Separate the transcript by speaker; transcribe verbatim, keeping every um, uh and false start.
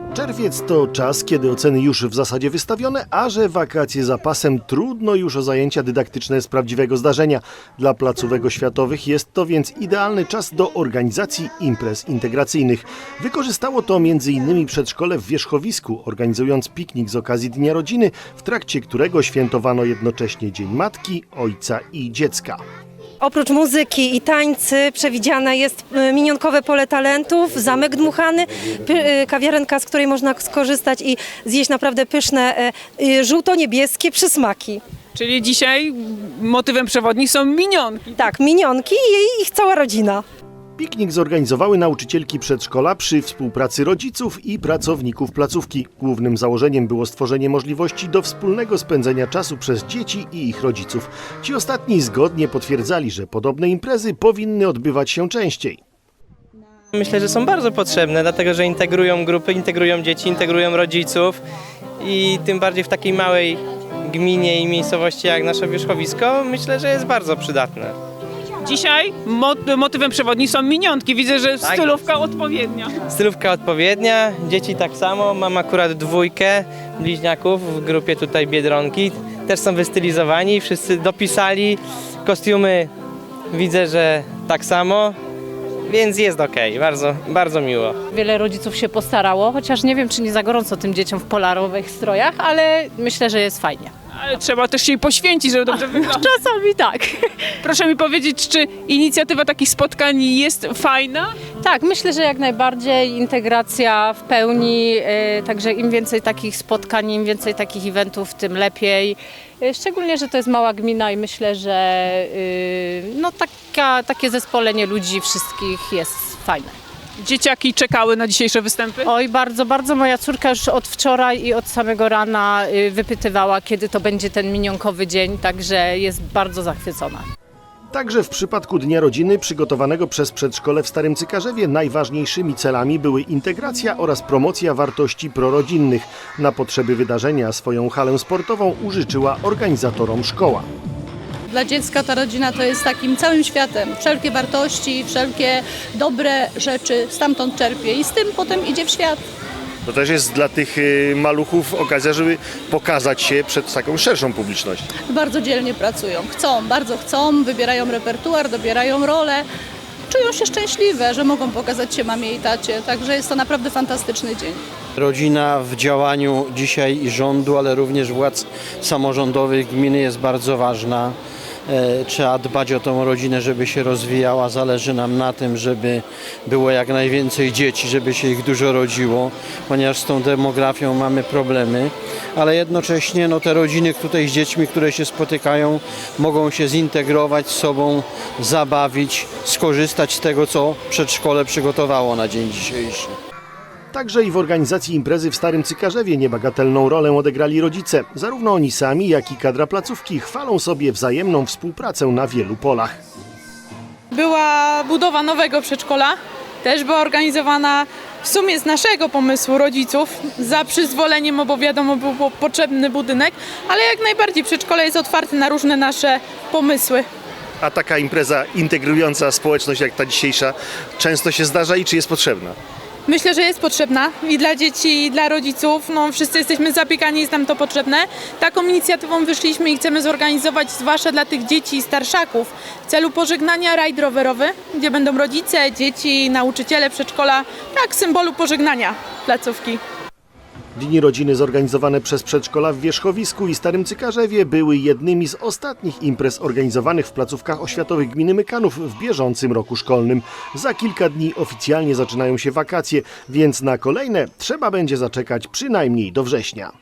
Speaker 1: Czerwiec to czas, kiedy oceny już w zasadzie wystawione, a że wakacje za pasem, trudno już o zajęcia dydaktyczne z prawdziwego zdarzenia. Dla placówek oświatowych jest to więc idealny czas do organizacji imprez integracyjnych. Wykorzystało to między innymi przedszkole w Wierzchowisku, organizując piknik z okazji Dnia Rodziny, w trakcie którego świętowano jednocześnie Dzień Matki, Ojca i Dziecka.
Speaker 2: Oprócz muzyki i tańcy przewidziane jest minionkowe pole talentów, zamek dmuchany, kawiarenka, z której można skorzystać i zjeść naprawdę pyszne żółto-niebieskie przysmaki.
Speaker 3: Czyli dzisiaj motywem przewodnim są minionki.
Speaker 2: Tak, minionki i ich cała rodzina.
Speaker 1: Piknik zorganizowały nauczycielki przedszkola przy współpracy rodziców i pracowników placówki. Głównym założeniem było stworzenie możliwości do wspólnego spędzenia czasu przez dzieci i ich rodziców. Ci ostatni zgodnie potwierdzali, że podobne imprezy powinny odbywać się częściej.
Speaker 4: Myślę, że są bardzo potrzebne, dlatego że integrują grupy, integrują dzieci, integrują rodziców i tym bardziej w takiej małej gminie i miejscowości jak nasze Wierzchowisko, myślę, że jest bardzo przydatne.
Speaker 3: Dzisiaj mot- motywem przewodnim są minionki. Widzę, że
Speaker 4: Tak.
Speaker 3: stylówka odpowiednia.
Speaker 4: Stylówka odpowiednia, dzieci tak samo, mam akurat dwójkę bliźniaków w grupie tutaj Biedronki, też są wystylizowani, wszyscy dopisali, kostiumy widzę, że tak samo, więc jest okej, bardzo, bardzo miło.
Speaker 5: Wiele rodziców się postarało, chociaż nie wiem, czy nie za gorąco tym dzieciom w polarowych strojach, ale myślę, że jest fajnie.
Speaker 3: Ale trzeba też się jej poświęcić, żeby dobrze wyglądać.
Speaker 5: Czasami tak.
Speaker 3: Proszę mi powiedzieć, czy inicjatywa takich spotkań jest fajna?
Speaker 5: Tak, myślę, że jak najbardziej integracja w pełni, e, także im więcej takich spotkań, im więcej takich eventów, tym lepiej. E, Szczególnie, że to jest mała gmina i myślę, że e, no, taka, takie zespolenie ludzi wszystkich jest fajne.
Speaker 3: Dzieciaki czekały na dzisiejsze występy?
Speaker 5: Oj, bardzo, bardzo. Moja córka już od wczoraj i od samego rana y, wypytywała, kiedy to będzie ten minionkowy dzień, także jest bardzo zachwycona.
Speaker 1: Także w przypadku Dnia Rodziny przygotowanego przez przedszkole w Starym Cykarzewie najważniejszymi celami były integracja oraz promocja wartości prorodzinnych. Na potrzeby wydarzenia swoją halę sportową użyczyła organizatorom szkoła.
Speaker 6: Dla dziecka ta rodzina to jest takim całym światem. Wszelkie wartości, wszelkie dobre rzeczy stamtąd czerpie i z tym potem idzie w świat.
Speaker 7: To też jest dla tych y, maluchów okazja, żeby pokazać się przed taką szerszą publicznością.
Speaker 6: Bardzo dzielnie pracują, chcą, bardzo chcą, wybierają repertuar, dobierają role. Czują się szczęśliwe, że mogą pokazać się mamie i tacie, także jest to naprawdę fantastyczny dzień.
Speaker 8: Rodzina w działaniu dzisiaj i rządu, ale również władz samorządowych gminy jest bardzo ważna. E, Trzeba dbać o tą rodzinę, żeby się rozwijała. Zależy nam na tym, żeby było jak najwięcej dzieci, żeby się ich dużo rodziło, ponieważ z tą demografią mamy problemy. Ale jednocześnie no, te rodziny tutaj z dziećmi, które się spotykają, mogą się zintegrować z sobą, zabawić, skorzystać z tego, co przedszkole przygotowało na dzień dzisiejszy.
Speaker 1: Także i w organizacji imprezy w Starym Cykarzewie niebagatelną rolę odegrali rodzice. Zarówno oni sami, jak i kadra placówki chwalą sobie wzajemną współpracę na wielu polach.
Speaker 9: Była budowa nowego przedszkola, też była organizowana w sumie z naszego pomysłu rodziców, za przyzwoleniem, bo wiadomo był potrzebny budynek, ale jak najbardziej przedszkole jest otwarte na różne nasze pomysły.
Speaker 7: A taka impreza integrująca społeczność jak ta dzisiejsza często się zdarza i czy jest potrzebna?
Speaker 9: Myślę, że jest potrzebna i dla dzieci, i dla rodziców. No, wszyscy jesteśmy zabiegani, jest nam to potrzebne. Taką inicjatywą wyszliśmy i chcemy zorganizować, zwłaszcza dla tych dzieci i starszaków, w celu pożegnania rajd rowerowy, gdzie będą rodzice, dzieci, nauczyciele przedszkola, tak, symbolu pożegnania placówki.
Speaker 1: Dni Rodziny zorganizowane przez przedszkola w Wierzchowisku i Starym Cykarzewie były jednymi z ostatnich imprez organizowanych w placówkach oświatowych gminy Mykanów w bieżącym roku szkolnym. Za kilka dni oficjalnie zaczynają się wakacje, więc na kolejne trzeba będzie zaczekać przynajmniej do września.